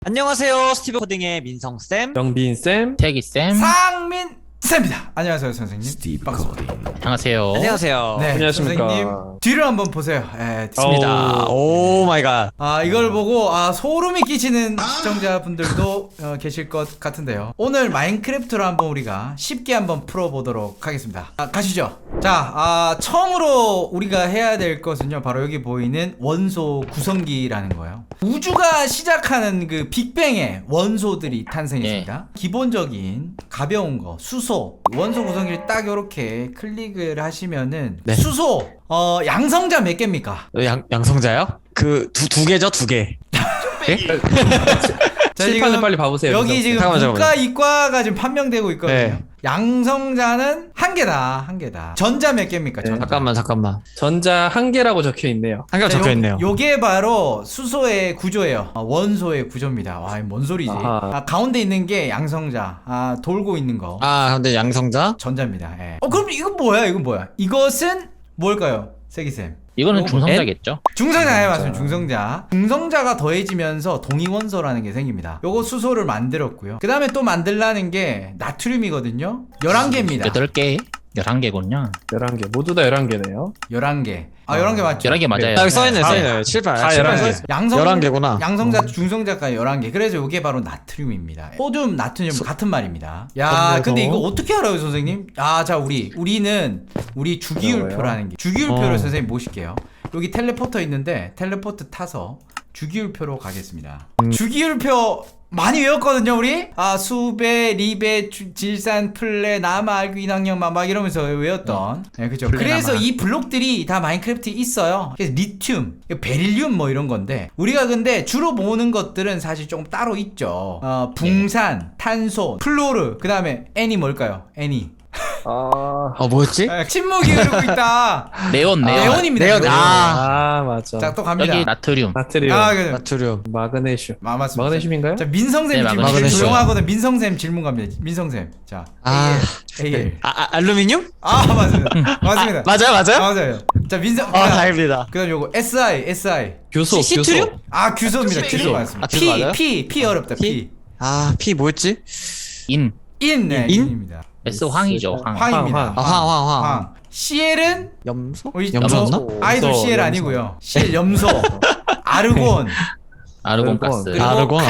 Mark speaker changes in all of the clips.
Speaker 1: 안녕하세요. 스티브 코딩의 민성쌤.
Speaker 2: 영빈쌤,
Speaker 3: 태기쌤.
Speaker 4: 상민쌤입니다. 안녕하세요 선생님.
Speaker 2: 스티브
Speaker 4: 반갑습니다.
Speaker 2: 코딩.
Speaker 3: 안녕하세요.
Speaker 1: 안녕하세요.
Speaker 4: 네,
Speaker 2: 안녕하십니까.
Speaker 4: 선생님 뒤를 한번 보세요. 예,
Speaker 1: 입니다. 오 마이 갓.
Speaker 4: 이걸 보고 소름이 끼치는 시청자분들도 계실 것 같은데요. 오늘 마인크래프트로 한번 우리가 쉽게 한번 풀어보도록 하겠습니다. 가시죠. 자, 처음으로 우리가 해야 될 것은요, 바로 여기 보이는 원소 구성기라는 거예요. 우주가 시작하는 그 빅뱅의 원소들이 탄생했습니다. 기본적인 가벼운 거, 수소, 원소 구성기를 딱 이렇게 클릭을 하시면은
Speaker 1: 네.
Speaker 4: 수소, 양성자 몇 개입니까?
Speaker 1: 양성자요? 그 두 개죠, 두 개. 예?
Speaker 4: 자,
Speaker 2: 칠판을
Speaker 4: 지금
Speaker 2: 빨리 봐보세요.
Speaker 4: 여기 지금
Speaker 1: 잠깐만.
Speaker 4: 문과 이과가 지금 판명되고 있거든요.
Speaker 1: 네.
Speaker 4: 양성자는 한 개다. 전자 몇 개입니까?
Speaker 2: 네.
Speaker 4: 전자.
Speaker 1: 잠깐만.
Speaker 2: 전자 한 개라고 적혀 있네요.
Speaker 1: 한 개가
Speaker 4: 자,
Speaker 1: 적혀 있네요.
Speaker 4: 요게 바로 수소의 구조예요. 뭔 소리지? 와, 뭔 소리지?
Speaker 2: 아하.
Speaker 4: 가운데 있는 게 양성자. 돌고 있는 거.
Speaker 1: 근데 양성자?
Speaker 4: 전자입니다. 예. 그럼 이건 뭐야? 이것은 뭘까요? 세기쌤.
Speaker 3: 이거는 중성자겠죠?
Speaker 4: 중성자예요, 맞습니다. 중성자. 중성자가 더해지면서 동위원소라는 게 생깁니다. 요거 수소를 만들었고요. 그 다음에 또 만들라는 게 나트륨이거든요. 11개입니다.
Speaker 3: 8개, 11개군요.
Speaker 2: 11개. 모두 다 11개네요.
Speaker 4: 11개. 11개 맞죠?
Speaker 3: 11개 맞아요.
Speaker 1: 여기 써있네,
Speaker 2: 다-
Speaker 1: 써있네. 칠판.
Speaker 2: 다
Speaker 1: 칠판
Speaker 2: 11개.
Speaker 1: 써있어.
Speaker 4: 양성
Speaker 1: 11개구나.
Speaker 4: 양성자, 중성자까지 11개. 그래서 이게 바로 나트륨입니다. 소듐, 나트륨 같은 말입니다. 야,
Speaker 2: 그래서-
Speaker 4: 근데 이거 어떻게 알아요, 선생님? 자, 우리는 주기율표라는 게. 주기율표를 선생님 모실게요. 여기 텔레포터 있는데 텔레포트 타서 주기율표로 가겠습니다. 주기율표 많이 외웠거든요, 우리? 수배, 리배, 질산, 플레, 나마, 알구, 인항력, 막 이러면서 외웠던. 네, 그죠.
Speaker 3: 플레,
Speaker 4: 그래서
Speaker 3: 나마.
Speaker 4: 이 블록들이 다 마인크래프트에 있어요. 그래서 리튬, 베릴륨 뭐 이런 건데, 우리가 근데 주로 모으는 것들은 사실 조금 따로 있죠. 붕산, 탄소, 플로르, 그 다음에 애니 뭘까요? 애니.
Speaker 1: 뭐였지?
Speaker 4: 침묵이 흐르고 있다.
Speaker 3: 네온.
Speaker 4: 네온입니다.
Speaker 1: 네온.
Speaker 4: 네온.
Speaker 2: 맞아.
Speaker 4: 자, 또 갑니다.
Speaker 3: 여기 나트륨.
Speaker 2: 나트륨,
Speaker 4: 그죠.
Speaker 1: 나트륨.
Speaker 2: 마그네슘.
Speaker 4: 맞습니다.
Speaker 2: 마그네슘인가요?
Speaker 4: 자, 민성쌤
Speaker 3: 네,
Speaker 4: 질문.
Speaker 1: 마그네슘.
Speaker 4: 조용하거든. 민성쌤 질문 갑니다. 민성쌤. 자, AL.
Speaker 1: 알루미늄?
Speaker 4: 맞습니다. 맞습니다.
Speaker 1: 맞아요?
Speaker 4: 맞아요. 자, 민성.
Speaker 1: 다행입니다.
Speaker 4: 그다음 요거 SI.
Speaker 2: 교소,
Speaker 1: 시트륨?
Speaker 2: 교소.
Speaker 4: 규소입니다.
Speaker 1: 규소.
Speaker 4: 규소 맞습니다.
Speaker 1: 규소 맞아요?
Speaker 4: P 어렵다. P.
Speaker 1: P 뭐였지?
Speaker 3: 인.
Speaker 4: 네,
Speaker 1: 인?
Speaker 4: 인입니다.
Speaker 3: S 황이죠. 황.
Speaker 4: 황입니다.
Speaker 1: 황.
Speaker 4: CL은
Speaker 1: 염소?
Speaker 4: 우리
Speaker 1: 염소였나?
Speaker 4: 아이돌
Speaker 2: 염소,
Speaker 4: CL
Speaker 2: 염소.
Speaker 4: 아니고요. CL 염소. 아르곤.
Speaker 3: 아르곤 가스.
Speaker 4: 그리고
Speaker 1: 아르곤.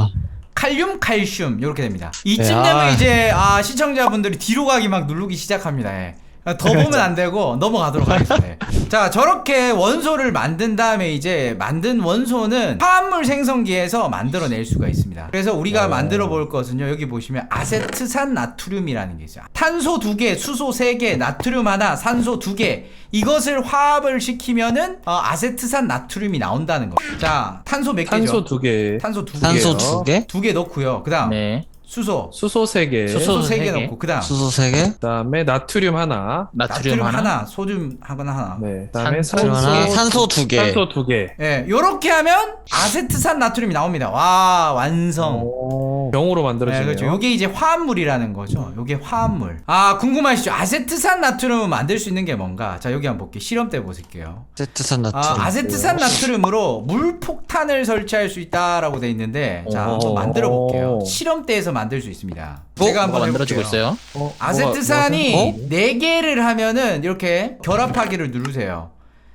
Speaker 4: 칼륨 이렇게 됩니다. 이쯤
Speaker 1: 네,
Speaker 4: 되면 이제 시청자분들이 뒤로 가기 막 누르기 시작합니다. 예. 더 보면 안 되고 넘어가도록 하겠습니다. 자, 저렇게 원소를 만든 다음에 이제 만든 원소는 화합물 생성기에서 만들어낼 수가 있습니다. 그래서 우리가 만들어 볼 것은요, 여기 보시면 아세트산 나트륨이라는 게 있어요. 탄소 2개, 수소 3개, 나트륨 하나, 산소 2개, 이것을 화합을 시키면은 아세트산 나트륨이 나온다는 겁니다. 자, 탄소 몇 개죠?
Speaker 2: 탄소 2개.
Speaker 4: 탄소 2개.
Speaker 1: 탄소 2개?
Speaker 4: 2개 넣고요. 그 다음
Speaker 3: 네.
Speaker 4: 수소
Speaker 2: 수소 3개.
Speaker 4: 수소 3개
Speaker 3: 세 개.
Speaker 4: 넣고, 그 다음
Speaker 1: 수소 3개?
Speaker 2: 그 다음에 나트륨 하나.
Speaker 3: 나트륨 하나.
Speaker 4: 소듐 하나.
Speaker 2: 네. 그 다음에
Speaker 3: 산소
Speaker 1: 하나, 산소 2개.
Speaker 2: 산소 2개.
Speaker 4: 예, 요렇게 하면 아세트산 나트륨이 나옵니다. 와, 완성.
Speaker 2: 병으로
Speaker 4: 네,
Speaker 2: 만들어지네요.
Speaker 4: 그렇죠. 요게 이제 화합물이라는 거죠. 요게 화합물. 궁금하시죠? 아세트산 나트륨을 만들 수 있는 게 뭔가? 자, 여기 한번 볼게요. 실험 때 보실게요.
Speaker 1: 아세트산 나트륨.
Speaker 4: 아세트산 나트륨으로 물폭탄을 설치할 수 있다라고 돼 있는데, 자, 한번 만들어 볼게요. 실험대에서 만들 수 있습니다. 제가 한번
Speaker 3: 만들어지고
Speaker 4: 해볼게요.
Speaker 3: 있어요.
Speaker 4: 아세트산이 4개를 하면은 이렇게 결합하기를 누르세요.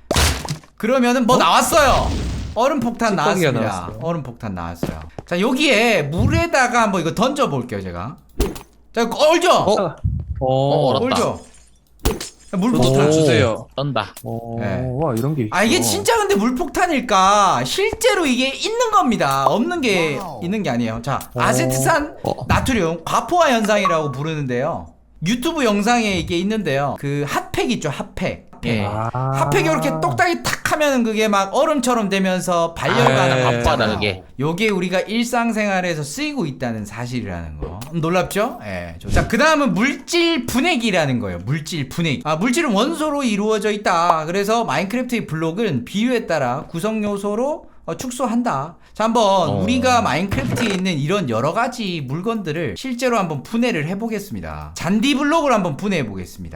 Speaker 4: 그러면은 뭐 나왔어요. 얼음 폭탄
Speaker 2: 찌꺼기가
Speaker 4: 나왔습니다.
Speaker 2: 나왔어요.
Speaker 4: 얼음 폭탄 나왔어요. 자, 여기에 물에다가 한번 이거 던져 볼게요, 제가. 자, 이거 얼죠?
Speaker 3: 얼었다.
Speaker 4: 얼죠? 물
Speaker 2: 저도 좀
Speaker 4: 폭탄.
Speaker 2: 주세요.
Speaker 3: 떤다.
Speaker 4: 네.
Speaker 2: 와, 이런 게 있어.
Speaker 4: 이게 진짜 근데 물폭탄일까? 실제로 이게 있는 겁니다. 없는 게 있는 게 아니에요. 자, 아세트산 나트륨 과포화 현상이라고 부르는데요. 유튜브 영상에 이게 있는데요. 그 핫팩 있죠, 핫팩.
Speaker 3: 예.
Speaker 4: 핫팩이 이렇게 똑딱이 탁 하면은 그게 막 얼음처럼 되면서 발열가나
Speaker 3: 밥바다 그게.
Speaker 4: 요게 우리가 일상생활에서 쓰이고 있다는 사실이라는 거. 놀랍죠? 예. 자, 그 다음은 물질 분해기라는 거예요. 물질 분해기. 물질은 원소로 이루어져 있다. 그래서 마인크래프트의 블록은 비율에 따라 구성 요소로 축소한다. 자, 한번 우리가 마인크래프트에 있는 이런 여러 가지 물건들을 실제로 한번 분해를 해보겠습니다. 잔디 블록을 한번 분해해 보겠습니다.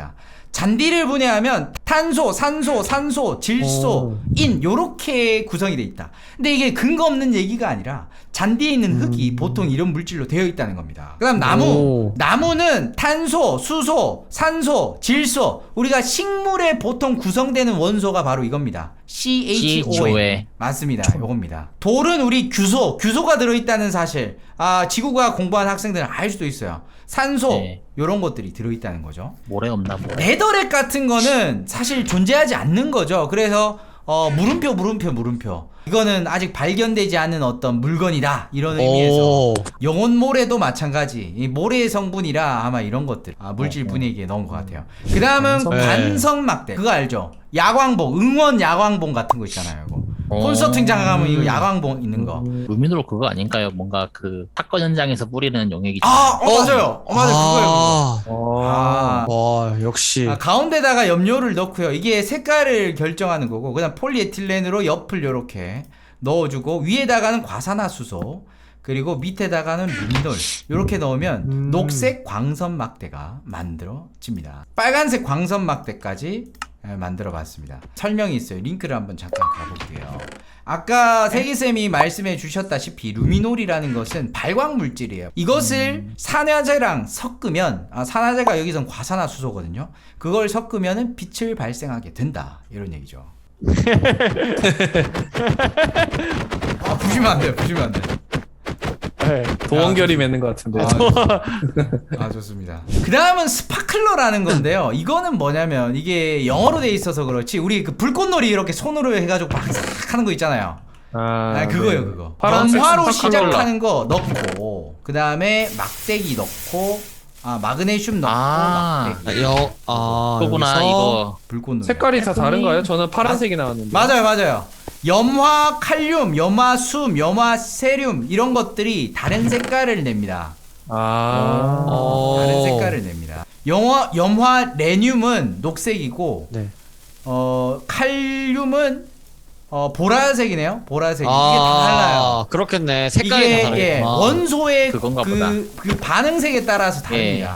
Speaker 4: 잔디를 분해하면 탄소, 산소, 산소, 질소, 인 요렇게 구성이 돼 있다. 근데 이게 근거 없는 얘기가 아니라 잔디에 있는 흙이 보통 이런 물질로 되어 있다는 겁니다. 그다음 나무. 나무는 탄소, 수소, 산소, 질소. 우리가 식물에 보통 구성되는 원소가 바로 이겁니다. CHOA. 맞습니다. 요겁니다. 돌은 우리 규소가 들어있다는 사실. 지구과학 공부한 학생들은 알 수도 있어요. 산소,
Speaker 3: 네.
Speaker 4: 요런 것들이 들어있다는 거죠.
Speaker 3: 모래 없나 모래.
Speaker 4: 레더렉 같은 거는 사실 존재하지 않는 거죠. 그래서 물음표. 이거는 아직 발견되지 않은 어떤 물건이다. 이런 의미에서 영혼 모래도 마찬가지. 이 모래의 성분이라 아마 이런 것들 물질 분해기에 넣은 것 같아요. 그 다음은 관성막대. 그거 알죠? 야광봉, 응원 야광봉 같은 거 있잖아요. 이거. 콘서트장 가면 이거 야광봉 있는 거.
Speaker 3: 루미노로 그거 아닌가요? 뭔가 그 사건 현장에서 뿌리는 용액이.
Speaker 4: 맞아요. 맞아요. 그거예요.
Speaker 1: 와, 역시.
Speaker 4: 가운데다가 염료를 넣고요. 이게 색깔을 결정하는 거고, 그다음 폴리에틸렌으로 옆을 요렇게 넣어주고, 위에다가는 과산화수소, 그리고 밑에다가는 루미놀 요렇게 넣으면 녹색 광선막대가 만들어집니다. 빨간색 광선막대까지 만들어 봤습니다. 설명이 있어요. 링크를 한번 잠깐 가볼게요. 아까 세기쌤이 말씀해 주셨다시피 루미놀이라는 것은 발광 물질이에요. 이것을 산화제랑 섞으면 산화제가 여기선 과산화수소거든요. 그걸 섞으면 빛을 발생하게 된다. 이런 얘기죠. 부시면 안 돼요. 부시면 안 돼요.
Speaker 2: 도원결이 맺는 것 같은데.
Speaker 4: 좋습니다. 그 다음은 스파클러라는 건데요. 이거는 뭐냐면 이게 영어로 돼 있어서 그렇지 우리 그 불꽃놀이 이렇게 손으로 해가지고 막 하는 거 있잖아요. 그거요. 그거 염화로 시작하는 거 넣고, 그 다음에 막대기 넣고, 마그네슘 넣고, 막대기.
Speaker 3: 그거구나 이거.
Speaker 4: 불꽃놀이.
Speaker 2: 색깔이 다 다른가요? 저는 파란색이 나왔는데.
Speaker 4: 맞아요. 염화 칼륨, 염화 숨, 염화 세륨 이런 것들이 다른 색깔을 냅니다. 다른 색깔을 냅니다. 염화 레늄은 녹색이고,
Speaker 1: 네.
Speaker 4: 칼륨은 보라색이네요. 보라색. 이게 다 달라요.
Speaker 1: 그렇겠네. 색깔이 다
Speaker 4: 이게
Speaker 1: 다르네.
Speaker 4: 원소의
Speaker 3: 그건가 보다.
Speaker 4: 그 반응색에 따라서 다릅니다.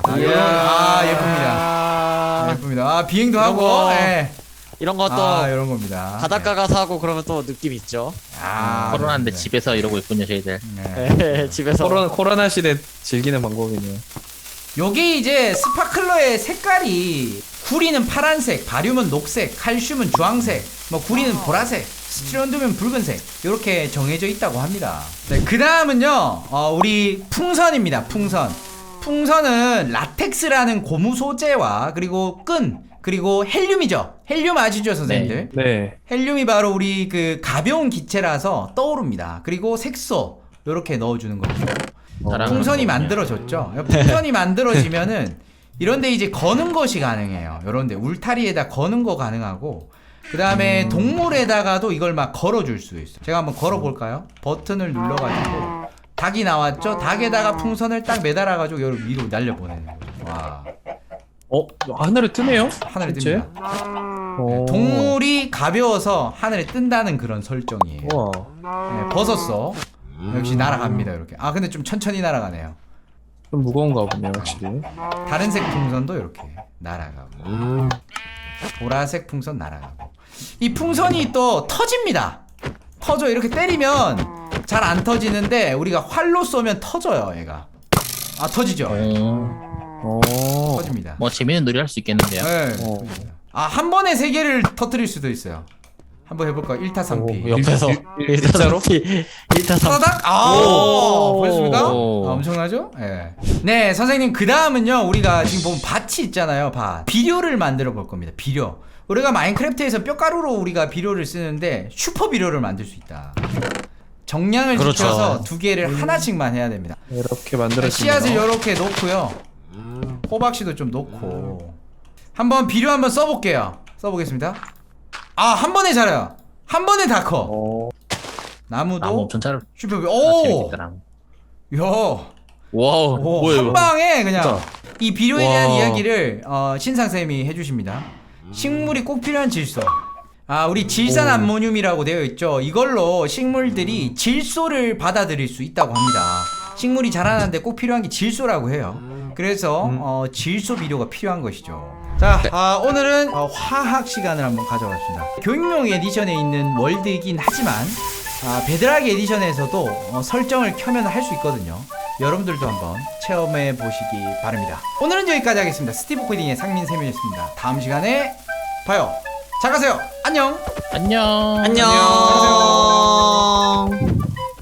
Speaker 3: 예.
Speaker 4: 예쁩니다. 비행도
Speaker 1: 이런
Speaker 4: 하고.
Speaker 1: 거.
Speaker 4: 예.
Speaker 1: 이런 것도
Speaker 4: 이런 겁니다.
Speaker 1: 바닷가 가서 하고 그러면 또 느낌 있죠.
Speaker 3: 코로나인데
Speaker 4: 네.
Speaker 3: 집에서 이러고 있군요 저희들.
Speaker 1: 네, 집에서.
Speaker 2: 코로나 시대 즐기는 방법이네요.
Speaker 4: 요게 이제 스파클러의 색깔이, 구리는 파란색, 바륨은 녹색, 칼슘은 주황색, 구리는 보라색, 스트론듐은 붉은색, 이렇게 정해져 있다고 합니다. 네, 그 다음은요, 우리 풍선입니다. 풍선은 라텍스라는 고무 소재와 그리고 끈, 그리고 헬륨이죠. 헬륨 아시죠, 선생님들?
Speaker 2: 네.
Speaker 4: 헬륨이 바로 우리 그 가벼운 기체라서 떠오릅니다. 그리고 색소 요렇게 넣어주는 거죠. 풍선이 만들어졌죠. 풍선이 만들어지면은 이런데 이제 거는 것이 가능해요. 요런데 울타리에다 거는 거 가능하고, 그 다음에 동물에다가도 이걸 막 걸어줄 수 있어요. 제가 한번 걸어볼까요? 버튼을 눌러가지고 닭이 나왔죠? 닭에다가 풍선을 딱 매달아가지고 여기 위로 날려보내는 거죠. 와.
Speaker 2: 하늘에 뜨네요?
Speaker 4: 하늘에
Speaker 2: 실제?
Speaker 4: 뜹니다. 네, 동물이 가벼워서 하늘에 뜬다는 그런 설정이에요.
Speaker 2: 우와.
Speaker 4: 네, 벗었어. 역시 날아갑니다. 이렇게. 근데 좀 천천히 날아가네요.
Speaker 2: 좀 무거운가 보네요, 확실히.
Speaker 4: 다른색 풍선도 이렇게 날아가고, 보라색 풍선 날아가고. 이 풍선이 또 터집니다. 터져. 이렇게 때리면 잘 안 터지는데 우리가 활로 쏘면 터져요. 얘가 터지죠. 터집니다.
Speaker 3: 뭐 재밌는 놀이 할 수 있겠는데요.
Speaker 4: 네. 한 번에 3개를 터뜨릴 수도 있어요. 한번 해볼까? 1타 3피.
Speaker 1: 옆에서 1타 3피. 1타 3피.
Speaker 4: 따닥! 보였습니까? 엄청나죠? 네, 선생님. 그 다음은요, 우리가 지금 보면 밭이 있잖아요. 밭. 비료를 만들어 볼 겁니다. 비료. 우리가 마인크래프트에서 뼈가루로 우리가 비료를 쓰는데 슈퍼 비료를 만들 수 있다. 정량을 지켜서 2개를 하나씩만 해야 됩니다.
Speaker 2: 이렇게 만들어지네요.
Speaker 4: 씨앗을 이렇게 놓고요. 호박씨도 좀 놓고. 한번 비료 한번 써볼게요. 써보겠습니다. 한 번에 자라요. 한 번에 다 커. 나무도
Speaker 3: 엄청 잘.
Speaker 4: 슈퍼 비료.
Speaker 3: 재밌겠더라.
Speaker 4: 와우.
Speaker 3: 뭐예요?
Speaker 4: 한 방에 그냥
Speaker 2: 진짜.
Speaker 4: 이 비료에 대한 이야기를 신상쌤이 해주십니다. 식물이 꼭 필요한 질소. 우리 질산 암모늄이라고 되어 있죠. 이걸로 식물들이 질소를 받아들일 수 있다고 합니다. 식물이 자라는데 꼭 필요한 게 질소라고 해요. 그래서 질소 비료가 필요한 것이죠. 자, 오늘은 화학 시간을 한번 가져봤습니다. 교육용 에디션에 있는 월드이긴 하지만 베드락 에디션에서도 설정을 켜면 할 수 있거든요. 여러분들도 한번 체험해 보시기 바랍니다. 오늘은 여기까지 하겠습니다. 스티브 코딩의 상민쌤이었습니다. 다음 시간에 봐요. 잘 가세요. 안녕.
Speaker 3: 안녕.
Speaker 1: 안녕.
Speaker 4: 잘 가세요.